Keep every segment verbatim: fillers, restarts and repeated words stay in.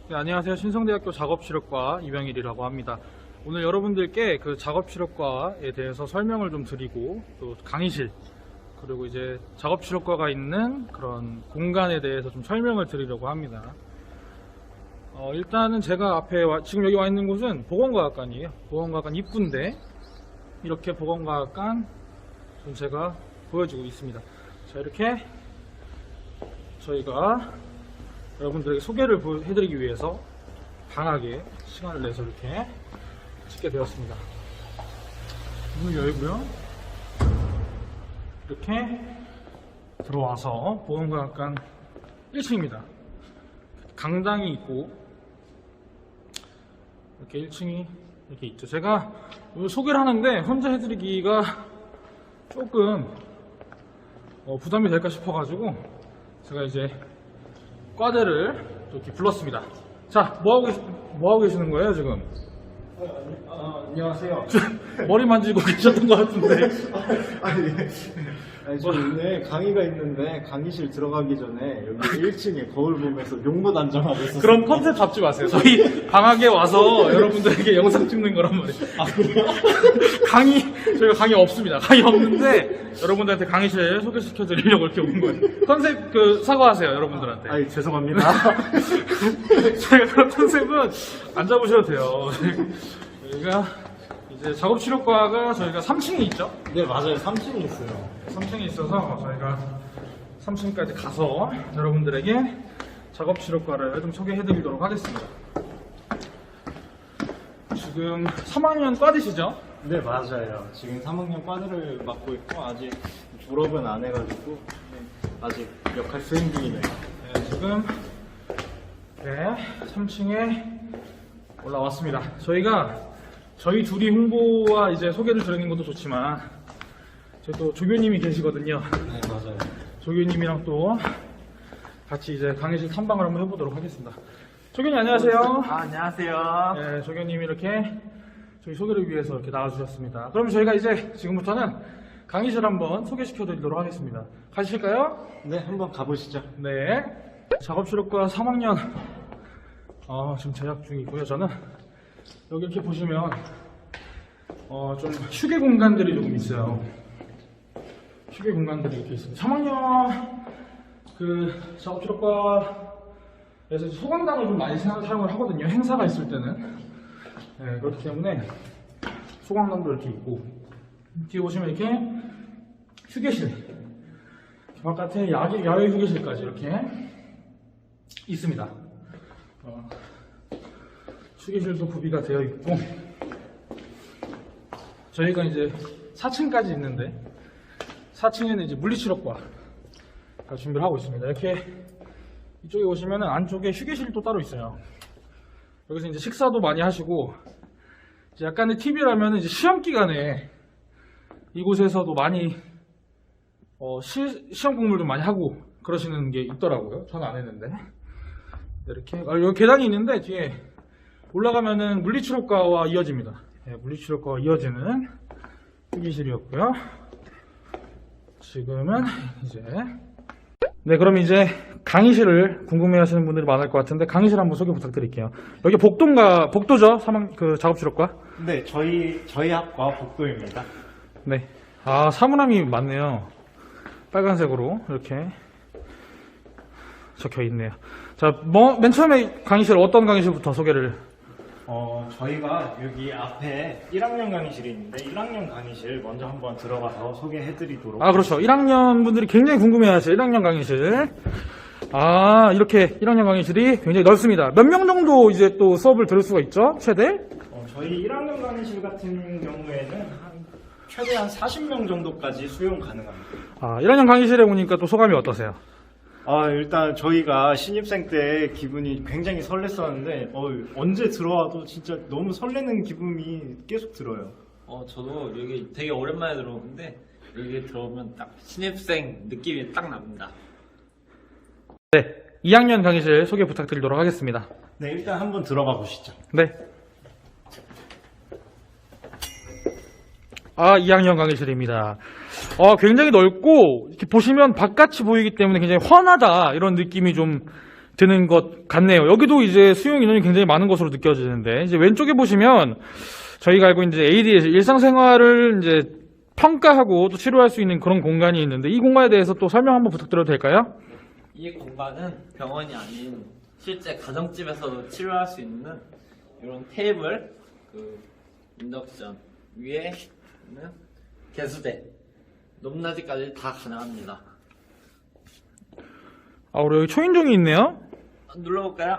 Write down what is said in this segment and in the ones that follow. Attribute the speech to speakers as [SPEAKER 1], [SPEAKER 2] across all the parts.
[SPEAKER 1] 네, 안녕하세요. 신성대학교 작업실업과 이병일이라고 합니다. 오늘 여러분들께 그 작업실업과에 대해서 설명을 좀 드리고 또 강의실 그리고 이제 작업실업과가 있는 그런 공간에 대해서 좀 설명을 드리려고 합니다. 어, 일단은 제가 앞에 와, 지금 여기 와 있는 곳은 보건과학관이에요. 보건과학관 입구인데 이렇게 보건과학관 좀 제가 보여주고 있습니다. 자, 이렇게 저희가 여러분들에게 소개를 해드리기 위해서 방학에 시간을 내서 이렇게 찍게 되었습니다. 문을 열고요. 이렇게 들어와서 보건과학관 일 층입니다. 강당이 있고 이렇게 일 층이 이렇게 있죠. 제가 소개를 하는데 혼자 해드리기가 조금 어, 부담이 될까 싶어가지고 제가 이제 과대를 이렇게 불렀습니다. 자, 뭐하고, 계시, 뭐하고 계시는 거예요, 지금?
[SPEAKER 2] 아, 아니, 아, 안녕하세요.
[SPEAKER 1] 머리 만지고 계셨던 것 같은데.
[SPEAKER 2] 아니, 아니, 저 오늘 강의가 있는데 강의실 들어가기 전에 여기 일 층에 거울 보면서 용못 안정하고 있었어요.
[SPEAKER 1] 그런 컨셉 잡지 마세요. 저희 방학에 와서 여러분들에게 영상 찍는 거란 말이에요.
[SPEAKER 2] 아, 그래요?
[SPEAKER 1] 강의, 저희가 강의 없습니다. 강의 없는데 여러분들한테 강의실 소개시켜 드리려고 이렇게 온 거예요. 컨셉 그 사과하세요, 여러분들한테.
[SPEAKER 2] 아니, 죄송합니다.
[SPEAKER 1] 저희가 그런 컨셉은 안 잡으셔도 돼요. 저희가 이제 작업실업과가 저희가 삼 층에 있죠?
[SPEAKER 2] 네, 맞아요. 삼 층에 있어요.
[SPEAKER 1] 삼 층에 있어서 저희가 삼 층까지 가서 여러분들에게 작업실업과를 좀 소개해 드리도록 하겠습니다. 지금 삼 학년 과디시죠?
[SPEAKER 2] 네, 맞아요. 지금 삼 학년 과대를 맡고 있고 아직 졸업은 안 해가지고 네, 아직 역할 수행 중이네요.
[SPEAKER 1] 네, 지금 네, 삼 층에 올라왔습니다. 저희가 저희 둘이 홍보와 이제 소개를 드리는 것도 좋지만 저희 또 조교님이 계시거든요.
[SPEAKER 2] 네, 맞아요.
[SPEAKER 1] 조교님이랑 또 같이 이제 강의실 탐방을 한번 해보도록 하겠습니다. 조교님 안녕하세요.
[SPEAKER 3] 아, 안녕하세요.
[SPEAKER 1] 네, 조교님이 이렇게 저희 소개를 위해서 이렇게 나와주셨습니다. 그럼 저희가 이제 지금부터는 강의실 한번 소개시켜 드리도록 하겠습니다. 가실까요?
[SPEAKER 2] 네, 한번 가보시죠.
[SPEAKER 1] 네. 작업실업과 삼 학년 어, 지금 재학 중이고요. 저는 여기 이렇게 보시면 어, 좀 휴게 공간들이 조금 있어요. 휴게 공간들이 이렇게 있습니다. 삼 학년 그 작업실업과에서 소강당을 좀 많이 사용을 하거든요. 행사가 있을 때는. 네, 그렇기 때문에 소강당도 이렇게 있고 뒤에 보시면 이렇게 휴게실 바깥에 야외, 야외 휴게실까지 이렇게 있습니다. 어, 휴게실도 구비가 되어 있고 저희가 이제 사 층까지 있는데 사 층에는 이제 물리치료과 준비를 하고 있습니다. 이렇게 이쪽에 오시면은 안쪽에 휴게실도 따로 있어요. 여기서 이제 식사도 많이 하시고 이제 약간의 팁이라면 이제 시험 기간에 이곳에서도 많이 어, 시, 시험 공부를 좀 많이 하고 그러시는 게 있더라고요. 저는 안 했는데 이렇게 아, 여기 계단이 있는데 뒤에 올라가면은 물리치료과와 이어집니다. 네, 물리치료과와 이어지는 휴게실이었고요. 지금은 이제 네, 그럼 이제 강의실을 궁금해하시는 분들이 많을 것 같은데 강의실 한번 소개 부탁드릴게요. 여기 복도인가 복도죠? 사망 그 작업실업과?
[SPEAKER 2] 네, 저희 저희 학과 복도입니다.
[SPEAKER 1] 네. 아, 사물함이 많네요. 빨간색으로 이렇게 적혀 있네요. 자, 뭐, 맨 처음에 강의실 어떤 강의실부터 소개를?
[SPEAKER 2] 어, 저희가 여기 앞에 일 학년 강의실이 있는데 일 학년 강의실 먼저 한번 들어가서 소개해드리도록.
[SPEAKER 1] 아, 그렇죠. 일 학년 분들이 굉장히 궁금해하세요. 일 학년 강의실. 아, 이렇게 일 학년 강의실이 굉장히 넓습니다. 몇 명 정도 이제 또 수업을 들을 수가 있죠? 최대?
[SPEAKER 2] 어, 저희 일 학년 강의실 같은 경우에는 한 최대한 사십 명 정도까지 수용 가능합니다.
[SPEAKER 1] 아, 일 학년 강의실에 오니까 또 소감이 어떠세요?
[SPEAKER 2] 아, 일단 저희가 신입생 때 기분이 굉장히 설렜었는데 어, 언제 들어와도 진짜 너무 설레는 기분이 계속 들어요.
[SPEAKER 3] 어, 저도 여기 되게 오랜만에 들어오는데 여기 들어오면 딱 신입생 느낌이 딱 납니다.
[SPEAKER 1] 네. 이 학년 강의실 소개 부탁드리도록 하겠습니다.
[SPEAKER 2] 네, 일단 한번 들어가 보시죠.
[SPEAKER 1] 네. 아, 이 학년 강의실입니다. 어, 굉장히 넓고 이렇게 보시면 바깥이 보이기 때문에 굉장히 환하다 이런 느낌이 좀 되는 것 같네요. 여기도 이제 수용 인원이 굉장히 많은 것으로 느껴지는데, 이제 왼쪽에 보시면 저희가 알고 있는 이제 에이디에서 일상생활을 이제 평가하고 또 치료할 수 있는 그런 공간이 있는데, 이 공간에 대해서 또 설명 한번 부탁드려도 될까요?
[SPEAKER 3] 이 공간은 병원이 아닌 실제 가정집에서도 치료할 수 있는 이런 테이블, 그 인덕션 위에 있는 개수대, 높낮이까지 다 가능합니다.
[SPEAKER 1] 아, 우리 여기 초인종이 있네요.
[SPEAKER 3] 눌러볼까요?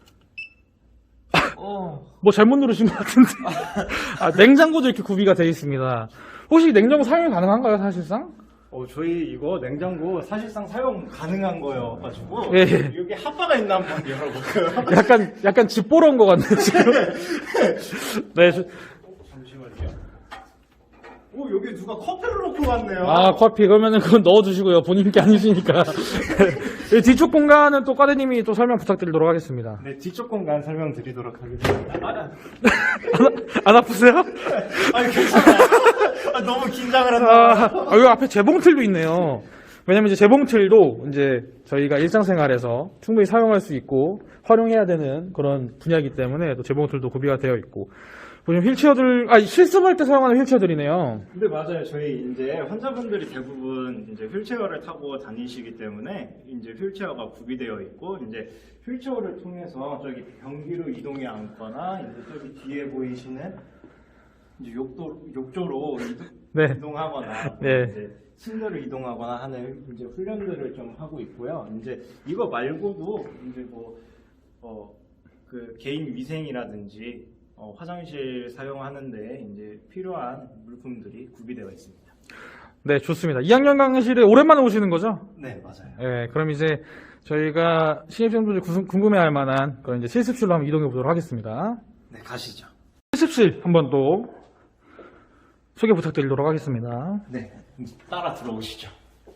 [SPEAKER 3] 오,
[SPEAKER 1] 뭐 잘못 누르신 것 같은데. 아, 냉장고도 이렇게 구비가 되어 있습니다. 혹시 냉장고 사용이 가능한가요, 사실상?
[SPEAKER 2] 어, 저희 이거 냉장고 사실상 사용 가능한 거여가지고
[SPEAKER 1] 예, 예.
[SPEAKER 2] 여기 핫바가 있나 한번 열어볼까요?
[SPEAKER 1] 약간, 약간 집 보러 온 것 같네요, 지금. 네. 저-
[SPEAKER 2] 잠시만요. 오, 여기 누가 커피를 놓고 갔네요.
[SPEAKER 1] 아, 커피. 그러면은 그건 넣어두시고요. 본인 게 아니시니까. 이 뒤쪽 공간은 또 과대님이 또 설명 부탁드리도록 하겠습니다.
[SPEAKER 2] 네, 뒤쪽 공간 설명드리도록 하겠습니다. 아,
[SPEAKER 1] 안, 안 아프세요?
[SPEAKER 2] 아니, 괜찮아요. 아, 너무 긴장을 한다.
[SPEAKER 1] 아, 아, 여기 앞에 재봉틀도 있네요. 왜냐면 이제 재봉틀도 이제 저희가 일상생활에서 충분히 사용할 수 있고 활용해야 되는 그런 분야이기 때문에 또 재봉틀도 구비가 되어 있고. 보시면 휠체어들, 아, 실습할 때 사용하는 휠체어들이네요.
[SPEAKER 2] 근데 맞아요. 저희 이제 환자분들이 대부분 이제 휠체어를 타고 다니시기 때문에 이제 휠체어가 구비되어 있고 이제 휠체어를 통해서 저기 변기로 이동해 앉거나 이제 저기 뒤에 보이시는 이제 욕도 욕조로 이동,
[SPEAKER 1] 네.
[SPEAKER 2] 이동하거나
[SPEAKER 1] 네.
[SPEAKER 2] 이제 침대로 이동하거나 하는 이제 훈련들을 좀 하고 있고요. 이제 이거 말고도 이제 뭐 어 그 개인 위생이라든지 어, 화장실 사용하는데 이제 필요한 물품들이 구비되어 있습니다.
[SPEAKER 1] 네, 좋습니다. 이 학년 강의실에 오랜만에 오시는 거죠?
[SPEAKER 2] 네, 맞아요.
[SPEAKER 1] 네, 그럼 이제 저희가 신입생분들이 구승- 궁금해할 만한 그런 이제 실습실로 한번 이동해 보도록 하겠습니다.
[SPEAKER 2] 네, 가시죠.
[SPEAKER 1] 실습실 한번 또 소개 부탁드리도록 하겠습니다.
[SPEAKER 2] 네, 따라 들어오시죠.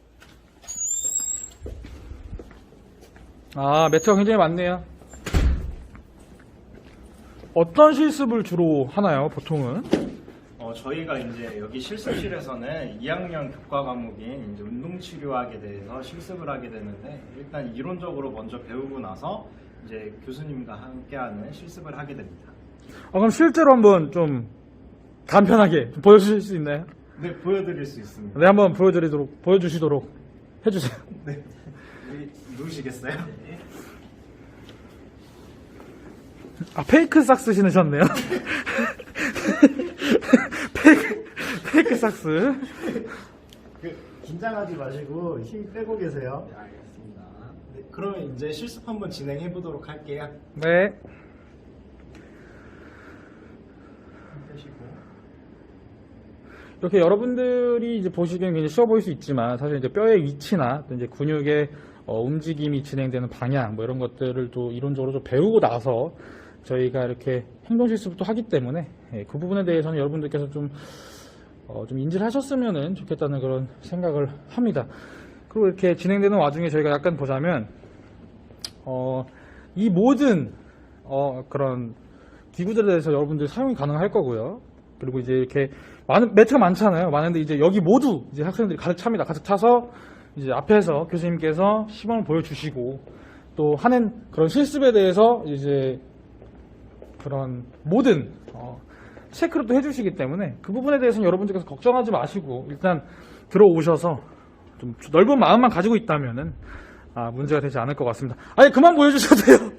[SPEAKER 1] 아, 매트가 굉장히 많네요. 어떤 실습을 주로 하나요, 보통은?
[SPEAKER 2] 어, 저희가 이제 여기 실습실에서는 이 학년 교과 과목인 이제 운동치료학에 대해서 실습을 하게 되는데 일단 이론적으로 먼저 배우고 나서 이제 교수님과 함께하는 실습을 하게 됩니다.
[SPEAKER 1] 아, 그럼 실제로 한번 좀 간편하게 좀 보여주실 수 있나요?
[SPEAKER 2] 네, 보여드릴 수 있습니다.
[SPEAKER 1] 네, 한번 보여드리도록, 보여주시도록 해주세요.
[SPEAKER 2] 네, 여기 누우시겠어요?
[SPEAKER 1] 아, 페이크 삭스 신으셨네요. 페이크, 페이크 삭스.
[SPEAKER 2] 그, 긴장하지 마시고 힘 빼고 계세요.
[SPEAKER 3] 네, 알겠습니다.
[SPEAKER 2] 네, 그러면 이제 실습 한번 진행해 보도록 할게요.
[SPEAKER 1] 네.
[SPEAKER 2] 힘 빼시고.
[SPEAKER 1] 이렇게 여러분들이 이제 보시기엔 굉장히 쉬워 보일 수 있지만 사실 이제 뼈의 위치나 또 이제 근육의 어, 움직임이 진행되는 방향 뭐 이런 것들을 또 이론적으로 좀 배우고 나서 저희가 이렇게 행동 실습도 하기 때문에 예, 그 부분에 대해서는 여러분들께서 좀, 어, 좀 인지를 하셨으면 좋겠다는 그런 생각을 합니다. 그리고 이렇게 진행되는 와중에 저희가 약간 보자면 어, 이 모든 어, 그런 기구들에 대해서 여러분들 사용이 가능할 거고요. 그리고 이제 이렇게 많은 매트가 많잖아요. 많은데 이제 여기 모두 이제 학생들이 가득 찹니다. 가득 차서 이제 앞에서 교수님께서 시범을 보여주시고 또 하는 그런 실습에 대해서 이제 그런 모든 어, 체크를 또 해주시기 때문에 그 부분에 대해서는 여러분들께서 걱정하지 마시고 일단 들어오셔서 좀 넓은 마음만 가지고 있다면은 아, 문제가 되지 않을 것 같습니다. 아니 그만 보여주셔도 돼요.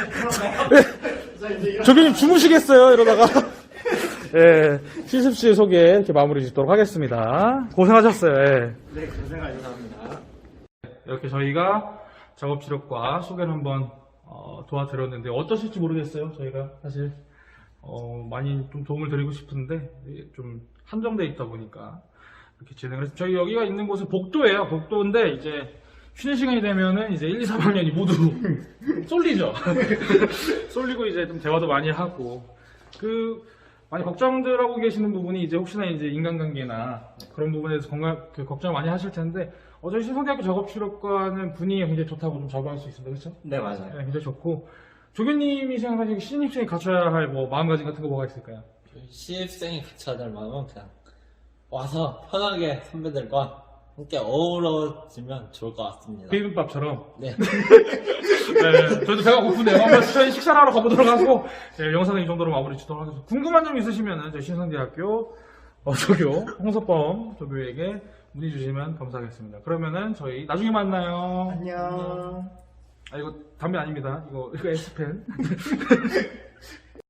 [SPEAKER 1] 네. 저기 주무시겠어요 이러다가. 예, 실습실 소개 이렇게 마무리 짓도록 하겠습니다. 고생하셨어요. 예.
[SPEAKER 2] 네, 고생하셨습니다.
[SPEAKER 1] 이렇게 저희가 작업치료과 소개를 한번 어, 도와드렸는데 어떠실지 모르겠어요. 저희가 사실 어, 많이 좀 도움을 드리고 싶은데 좀 한정돼 있다 보니까 이렇게 진행을 해서 저희 여기가 있는 곳은 복도예요. 복도인데 이제 쉬는 시간이 되면은 이제 일, 이, 삼 학년이 모두 쏠리죠. 쏠리고 이제 좀 대화도 많이 하고 그 많이 걱정들 하고 계시는 부분이 이제 혹시나 이제 인간관계나 그런 부분에 대해서 건강 그 걱정 많이 하실 텐데 어, 저희 신성대학교 작업치료과는 분위기가 굉장히 좋다고 좀 자부할 수 있습니다. 그렇죠?
[SPEAKER 2] 네, 맞아요.
[SPEAKER 1] 네, 굉장히 좋고 조교님이 생각하시기 신입생이 갖춰야 할 뭐 마음가짐 같은 거 뭐가 있을까요?
[SPEAKER 3] 신입생이 같이 하는 마음은 그냥 와서 편하게 선배들과 함께 어우러지면 좋을 것 같습니다.
[SPEAKER 1] 비빔밥처럼.
[SPEAKER 3] 네.
[SPEAKER 1] 네, 저희도 배가 고프네요. 한번 저희 식사를 하러 가보도록 하고, 네, 영상은 이 정도로 마무리 짓도록 하겠습니다. 궁금한 점 있으시면은 저희 신성대학교 어, 조교 홍석범 조교에게 문의 주시면 감사하겠습니다. 그러면은 저희 나중에 만나요.
[SPEAKER 2] 안녕.
[SPEAKER 1] 아 이거 담배 아닙니다. 이거 이거 에스펜.